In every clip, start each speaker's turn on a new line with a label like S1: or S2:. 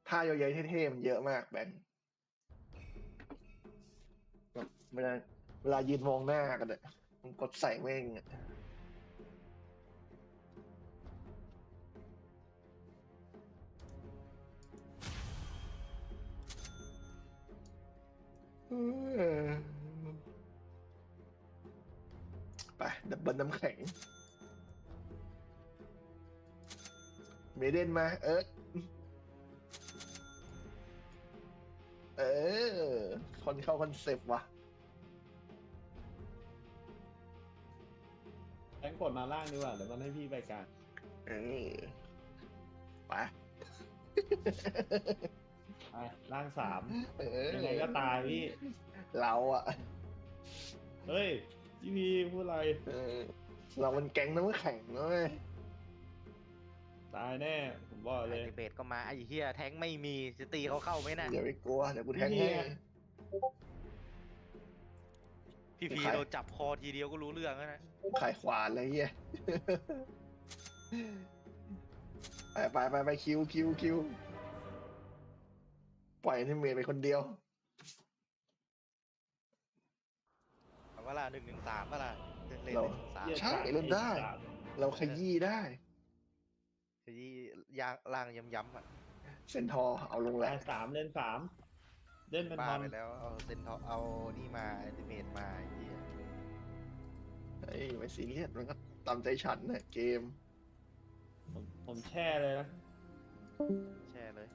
S1: ท่าเยอะๆเท่ๆมันเยอะมากแบงค์แบบเวลายืนมองหน้ากันอะมันกดใส่แม่งอะเออไปดับเบิลน้ำแข็งเมเดนมาเออคนเข้าคอนเซปต์ว่ะ
S2: แบงค์กดมาล่างดีกว่าเดี๋ยวมันให้พี่ไปกลาง
S1: เออไป
S2: ไปล่างสาม
S1: เออ
S2: ยังไงก็ตายพี่
S1: เราอะ
S2: เฮ้ยพี่พีพูดอะไร
S1: เออเรามันแก๊งน้ำแข็งนะเว้ย
S2: ตายแน่ผมบอกเลย
S3: ไอเบสก็มาไอ้เฮียแทงไม่มีจะตีเขาเข้าไหมน่ะ
S1: อย่าไปกลัวเดี๋ยวกูแทง
S2: พี่
S1: ให้
S2: ไง
S3: พี่พี
S1: ใคร
S3: โดนจับคอทีเดียวก็รู้เรื่องแล้วนะ
S1: ขายขวานอะไรเงี้ย ไปคิวปล่อยให้เมย์ไปคนเดียว
S3: เอาว่าล่ะ1-1-3ว่าล่ะเล่น
S1: เรา
S3: 1-1-3
S1: ใช่เล่นได้ เราขยี้ได้
S3: ที่ยางล่างย้ำๆอ่ะ
S1: เซนทอร์เอาลงแหละ
S2: ล่างสามเล่นสามเล่นเป็น
S3: บ้า
S2: บอล
S3: ไปแล้วเอาเซนทอเอานี่มาไอติเมตมาไอ้เฮีย
S1: เฮ้ยไม่ซีเรียสมันก็ตามใจฉันนะเกม
S2: ผมแช่เลยนะ
S3: แช่เลย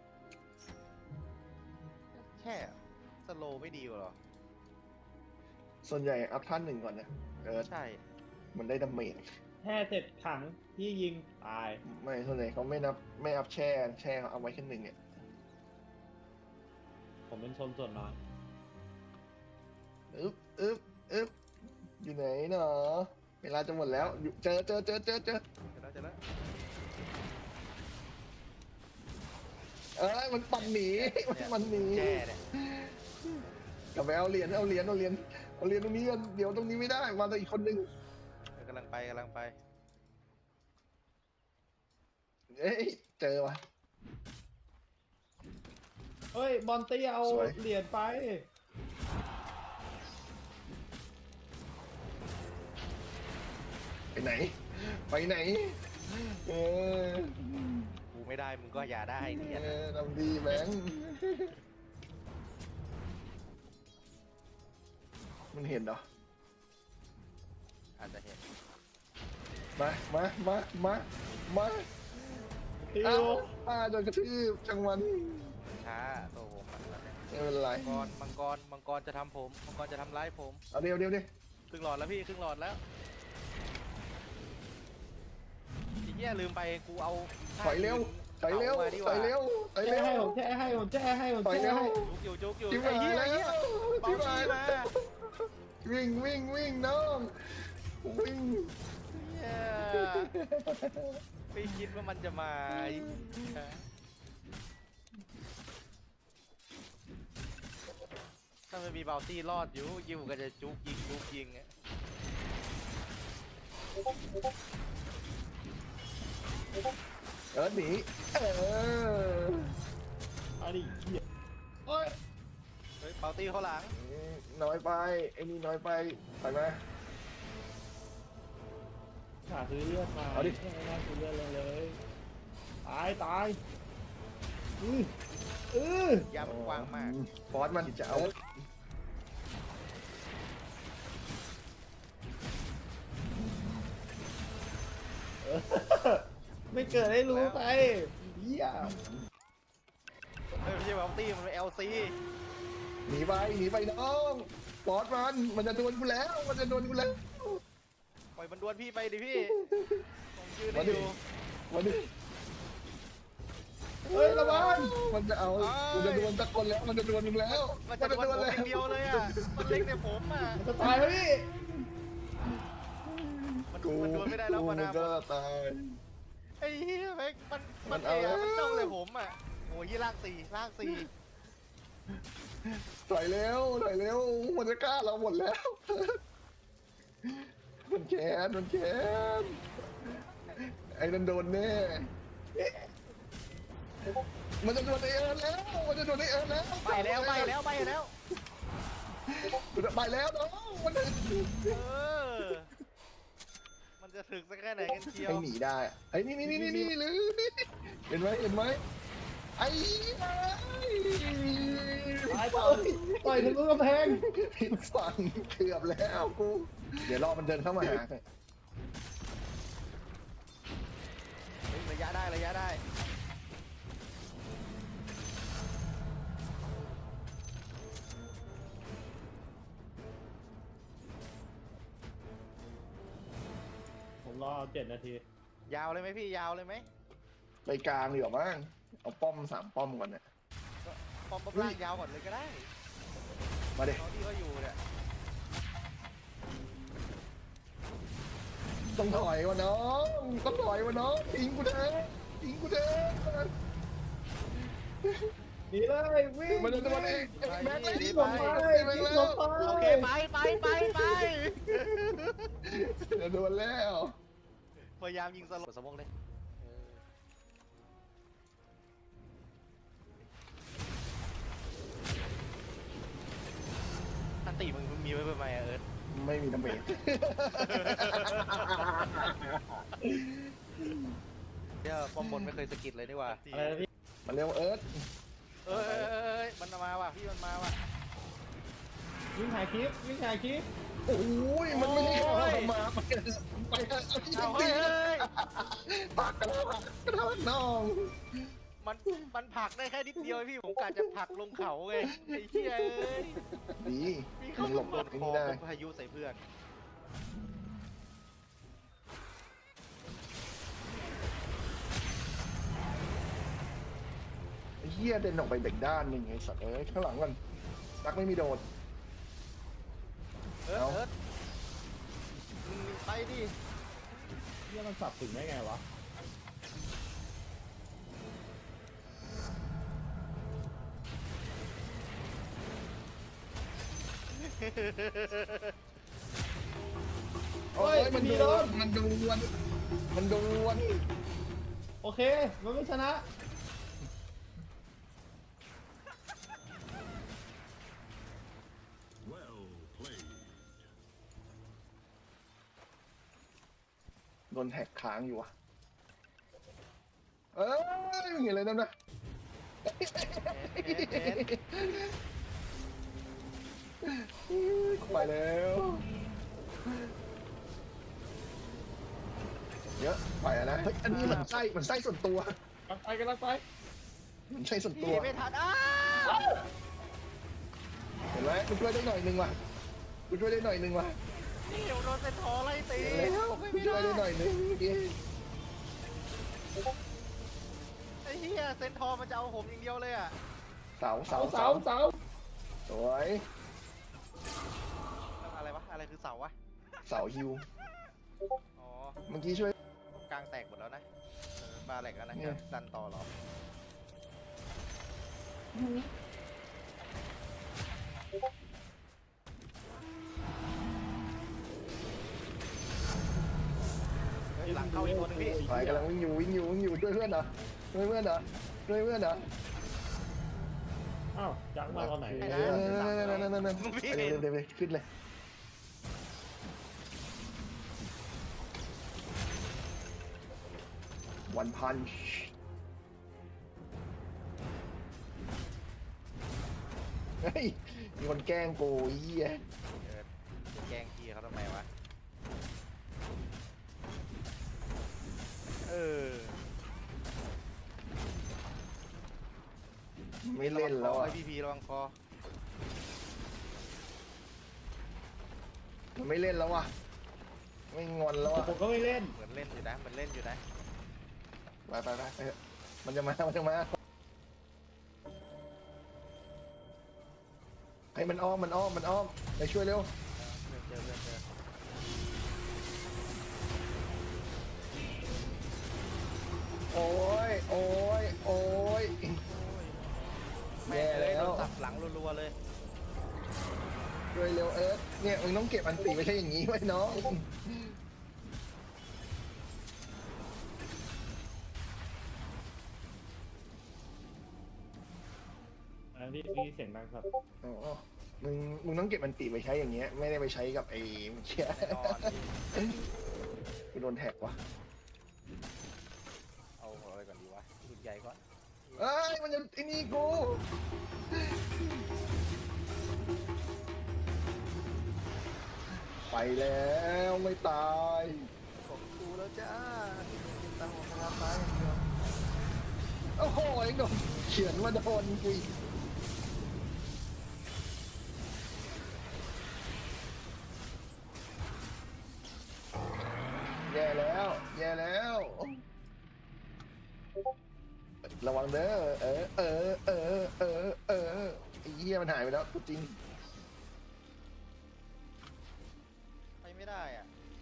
S3: แช่สโลว์ไม่ดีกว่าหรอ
S1: ส่วนใหญ่อัพท่านหนึ่งก่อนนะ
S3: ใช่
S1: มันได้ดาเมจ
S2: แช่เสร็จขังพี่ยิงตาย
S1: ไม่ส่วนใหญ่เขาไม่อัพแช่เขาเอาไว้แค่หนึ่งเนี่ย
S2: ผมเป็นชนส่วนน้อย
S1: อึ๊บอยู่ไหนเนาะเวลาจะหมดแล้วอยู่เจอ
S3: เจอแล้ว
S1: เอ้ยมันปั่นหนีมันหนี
S3: แช่เนี่ย
S1: กลับไปเอาเหรียญตรงนี้กันเดี๋ยวตรงนี้ไม่ได้มาตัวอีกคนนึง
S3: กำลังไป
S1: เอ้ยเจอวะ
S2: เฮ้ยบอลตี้เอา
S1: สวย
S2: เหรียญไป
S1: ไปไหนเออ
S3: กูไม่ได้มึงก็อย่าได้เนี่ย
S1: ทำดีแบงค์มันเห็นเหรอ
S3: อาจจะเห็น
S1: มา
S2: ติ
S1: เอ้าว โดนกระทืบจังหวัน
S3: ช้าตัวผมมันแล้วเนี่ย
S1: ไม่เป็นไร
S3: มังกรจะทำผมมังกรจะทำร้ายผม
S1: เอาเดี๋ยว
S3: ครึ่งหลอดแล้วพี่ครึ่งหลอดแล้วไอ้เหี้ยลืมไปกูเอา
S1: ถอยเร็ว
S3: แช่ให้
S2: แช่ให้ผมแช่ให้
S1: ถอยเร็ว
S3: จุกอยู่
S1: จิ้ม
S3: ไอ้
S1: หาย
S3: เหี้ย
S1: แล้
S3: ไอ้เหี้ยว เบา
S1: จิ้ม
S3: ชี
S1: หาย
S3: มา
S1: แล้ววิ่งน้องวิ่ง
S3: เหี้ยไม่คิดว่ามันจะมาไอ้เหี้ยถ้ามันมีเบลตี้รอดอยู่ยิวก็จะจุกยิงอะ
S1: หนีอ
S2: เอาดิเหี้ยโอ้ย
S3: เฮ้ยเบลตี้เข้าหลัง
S1: น้อยไปไอ้นี่น้อยไปถอยมา
S2: ขาซื้อเลือดมา
S1: เอาดิ
S2: ไม่น่าซื้อเลือดเลยตาย
S3: ยามมันกว้างมาก
S1: ฟอสมันจะเอา
S2: ไม่เกิดให้รู้ไปเหี้ย
S3: เฮ้ยไม่ใช่เบลตี้มันเป็น LC
S1: หนีไปน้องฟอสมันจะโดนกูแล้ว
S3: ปล่อยมันดวลพี่ไปดิพี่ผมยืนได้
S1: มา
S3: อ
S1: ดิ
S3: ยู่
S1: มาดิ
S2: เฮ้ยระวัง
S1: มันจะเอามันจะโดนตะกนแล้วมันจะโดนมึงแล้ว
S3: มันจะดวลผมอย่างเดียวเลยอ่ะมันเล็กในผมอ่ะ
S2: จะตายแล้วพี่
S3: มันดวลไม่ได้แล้ว
S1: มั
S3: วะ
S1: น
S3: นะ
S1: ก็ตาย
S3: ไอ้เหี้ยแม่งมัน
S1: มัน
S3: เอ๋
S1: เอา
S3: มันจ้องเลยผมอ่ะโอ้ยล่างสี่
S1: ถอยเร็วมันจะกล้าเราหมดแล้ว มันแค้นไอ้นั่นโดนแน่มันจะโดนไอเอิร์นแล้วมันจะโดนไอเอิร์นแล้ว
S3: ไปแล้วไปแล้วไปแล้ว
S1: ไปแล้วน้องมันจะ
S3: เออมันจะถึกสักแค่ไหนกันเชียว
S1: ไม่หนีได้ไอ้นี่หรือเห็นไหมไอ้
S2: ตายต่อยทะลุกำแพง
S1: ผิดฝั่งเกือบแล้วกูเดี๋ยวรอมันเดินเข้ามาหา
S3: เฮ้ยระยะได้ระยะได้
S2: ผมรอ7 นาที
S3: ยาวเลยไหมพี่ยาวเลยไหม
S1: ไปกลางดีกว่ามั้งเอาป้อม3 ป้อมก่อนเนี่ย
S3: ปอมล่างยาวก่อนเลยก็ได้
S1: มาเด็
S3: เขาที่เขาอยู่เนี่ย
S1: ต้องถอยวะน้องต้องถอยวะน้องทิ้งกูเถอะทิ้งกูเถอะ
S2: หนีเลยวิ่ง
S1: มันจะโดนไอ้แม็กเลย
S2: วิ่
S1: ที่
S2: ง
S1: ผ
S2: ล
S1: ม
S2: ง
S1: ไป
S2: ไป
S1: แม็ก
S2: วิ่ง
S1: แล้
S2: ล
S1: ว
S2: งไป
S3: โอเคไป
S1: จะโดนแล้ว
S3: พยายามยิงสลบสมองเลยอันตีมึงมีไว้เพื่อไมอะเอิร์ธ
S1: ไม่มีน้ำเบรก
S3: เนี่ยป้อมบนไม่เคยสะกิดเลยนี่หว่า
S2: อะไรนะพี่
S1: มาเร็วเอิร์ธ
S3: เอ้ยมันมาว่ะพี่มันมาว่ะ
S2: วิ่งถ่ายคลิปวิ่งถ่ายคลิป
S1: โอ้ยมันไม่ได้เข้ามาไปเอาที่
S3: เอา
S1: ตี
S3: เฮ้ย
S1: ปักกระทะน้อง
S3: มันผลักได้แค่นิดเดียวพี่ผมกะจะผลักลงเขาไงไอ้เหี้ยเอ้ย
S1: ดี
S3: พี่
S1: มึ
S3: เขา
S1: งหลบ
S3: โดน
S1: ไอ้
S3: คอ
S1: นี่ได้
S3: พายุใส่เพื่อน
S1: ไอ้เหี้ยเดินออกไปเด็กด้านหนึ่งไอ้สัตว์เอ้ยข้างหลังกันตักไม่มีโดด
S3: เอิร์ธ
S1: เอา
S3: เอิร์ธมึงไปดิ
S2: เรื่องมันสับถึงได้ไงวะ
S1: โอ้ยมันโดนมันโดนมันโดน
S2: โอเคมันไม่ชนะ
S1: โดนแท็กค้างอยู่อ่ะเอ้ยมึงเห็นอะไรนั่นนะไปแล้วเยอะไปแล้วนะเฮ้ยอันนี้มันไส้ส่วนตัว
S2: กำลังไป
S1: มันไส้ส่วนตั
S3: พี่
S1: ว
S3: ไม่ทันอ้า
S1: เห็นไหมกูช่วยได้หน่อยนึงว่ะกูช่วยได้หน่อยนึงว่ะ
S3: พี่เดี๋ยวโดนเซนทอไล่ตี
S1: เห็นแล้วกูช่วยได้หน่อยนึงเมื่อกี้
S3: ไอ้เหี้ยเซนทอมันจะเอาผมอย่างเดียวเลยอ่ะ
S1: เสา
S2: เสา
S1: สวย
S3: อะไรวะอะไรคือเสาวะ
S1: เสาฮิว
S3: อ๋อ
S1: เมื่อกี้ช่วย
S3: กลางแตกหมดแล้วนะบาแหลกแล้วนะ
S1: เนี่ย
S3: จะดันต่อเหรอเฮ้ยหลังเข้าอีกตัวหนึงพี่
S1: ไปกำลังวิ่งอยู่ด้วยเพื่อนเหรอด้วยเพื่อนเหรอ
S2: อ้าวจังมาตอนไหน
S1: นั่นไปเลยขึ้นเลยวันพันช์เฮ้ยมีคนแกล้งกูเหี้ย
S3: จะแกล้งพี่เขาทำไมวะเออ
S1: ไม่เล่นแล้ว
S3: ไอ
S1: อ่ะ
S3: พีพีระวังคอ
S1: มันไม่เล่นแล้วอ่ะไม่งอนแล้วอ่ะ
S2: ผมก็ไม่เล่น
S3: เหมือนเล่นอยู่นะมันเล่นอยู่นะ
S1: ไปมันจะมาให้มันอ้อมไปช่วยเร็ว
S3: เพื่อนเจอ
S1: โอ้ย
S3: แม่เลยโดนสับหลังรัวๆเลย
S1: ช่วยเร็วเอิร์ธเนี่ยมึงต้องเก็บอันตีไม่ใช่อย่างนี้ไว้น้อง
S2: ทั้งที่พี่เสียงดังครับ
S1: อ๋อมึงต้องเก็บมันติไปใช้อย่างเงี้ยไม่ได้ไปใช้กับไอ้เชี่ย
S3: แน่นอนพี่
S1: กูโดนแท็กว่ะ
S3: เอาอะไรก่อนดีวะหลุดใหญ่ก่อน
S1: เอ้ยมันจะไอ้นี่กูไปแล้วไม่ตายของกูแล้วจ้าเป็นตาหัวกระตายอย่างเดียวโอ้โหไอ้โดนเขียนมาโดนกูอีกแย่แล้วแย่แล้วระวังเด้อไอ้เหี้ยมันหายไปแล้วกูจริง
S3: ไปไม่ได้อ่ะ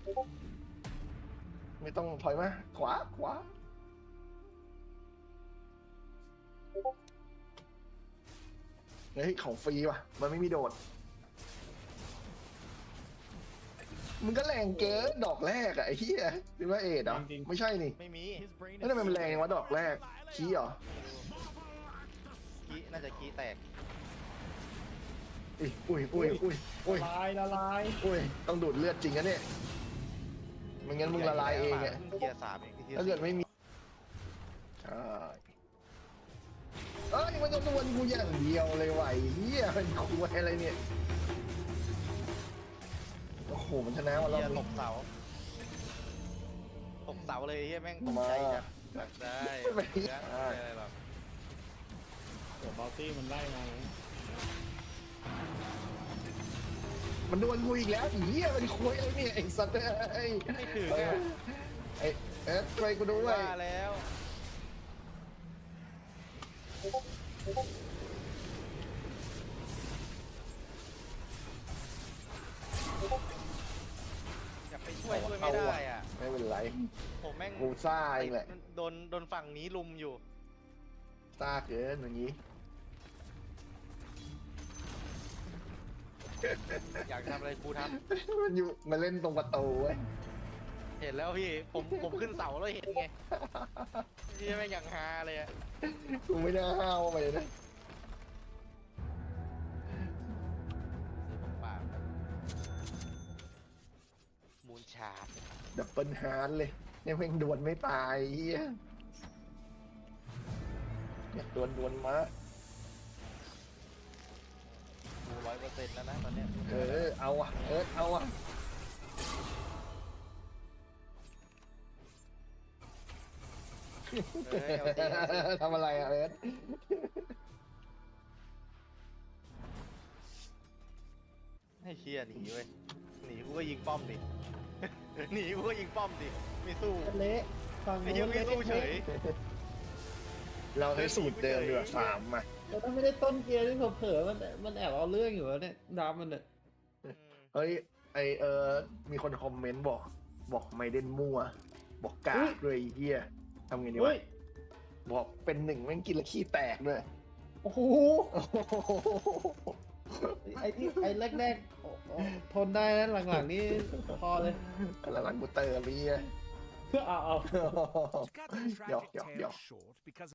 S1: ไม่ต้องถอยมาขวาขวาเฮ้ยของฟรีว่ะมันไม่มีโดดมึงก็แรงเกินดอกแรกอะไอ้เหี้ยหรือว่าเอ็ดเหรอไม่ใช่นี่
S3: ไม่มี
S1: แล้วทำไมมันแรงวะดอกแรกขี้เหรอ
S3: กี้น่าจะกี้แตก
S1: อุ้ย
S2: ละลาย
S1: อุ้ยต้องดูดเลือดจริงนะเนี่ยไม่งั้นมึงละลายเองอะ
S3: เกียร์3เองที่
S1: ถ้าเกิดไม่มีใช่เอ้ยมันจะนวลกูอย่างเดียวเลยว่ะไอ้เหี้ยเป็นคุยอะไรเนี่ยโอ้โหมันชนะว่ะเรา
S3: เกียร์ตกเสาเลยเฮียแม่งตกใจจัดได้อะไรแบบ
S2: เดี๋ยวบอลตี้มันไล่มานะ
S1: มันโดนกูอีกแล้วไอ้เหี้ยมันคุยอะไรเนี่ยไอ้สัตว์ไอ้
S3: ไม่ถึง
S1: เอ
S3: อ่ะ
S1: ไอ้ช่วยกูด้วย
S3: ว่าแล้วอยากไปช่วยไม่ได้อ่ะ
S1: ไม่เป็นไร
S3: ผมแม่ง
S1: กูซ่าเองแหละ
S3: โดนฝั่งนี้ลุมอยู่
S1: ซ่าเกินอย่างนี้
S3: อยากทำอะไรกูท
S1: มันอยู่มาเล่นตรงประตูเว้ย
S3: ำเห็นแล้วพี่ผมขึ้นเสาแล้วเห็นไงนี่แม่งอย่างฮาเลยอ่ะ
S1: กูไม่น่าห้าวไปเลยนะ
S3: ปากมูนชาร์ด
S1: ดับเบิลฮาร์ดเลยเนี่ยเพ่งดวลไม่ตายเฮียอยากดวลมา
S3: กู100%แล้วนะตอนเนี้ย
S1: เอาอ่ะเอาอ่ะ
S3: เอาจริง
S1: ทำอะไรอ่ะ
S3: ให้เชียร์หนีเว้ยหนีกูก็ยิงป้อมดิ หนีกูก็ยิงป้อมดิไม่สู้
S2: เละฝั่ง
S3: ไอ้
S2: นู้
S3: เหี้ย
S2: น
S3: ไม่สู้เฉย
S1: เราใช้สูตรเดิมดีกว่า3มา
S2: แต่ถ้าไม่ได้ต้นเกียร์ที่เผลอๆมันแอบเอาเรื่องอยู่แล้วเนี่ยดาบมันเนี่ย
S1: เฮ้ยมีคนคอมเมนต์บอกไม่เด่นมั่วบอกกากเลยเฮียทำไงดี
S2: เฮ้
S1: วะ
S2: ย
S1: บอกเป็น1แม่งกินแล้วขี้แตกด้วย
S2: โอ้โหไอ้แรกๆโอ้โหทนได้นะหลังๆนี่พอเลย
S1: แล้วหลังกูเตอร์เฮีย
S2: เอา
S4: To cut the tragic
S1: Yo.
S4: tale short, because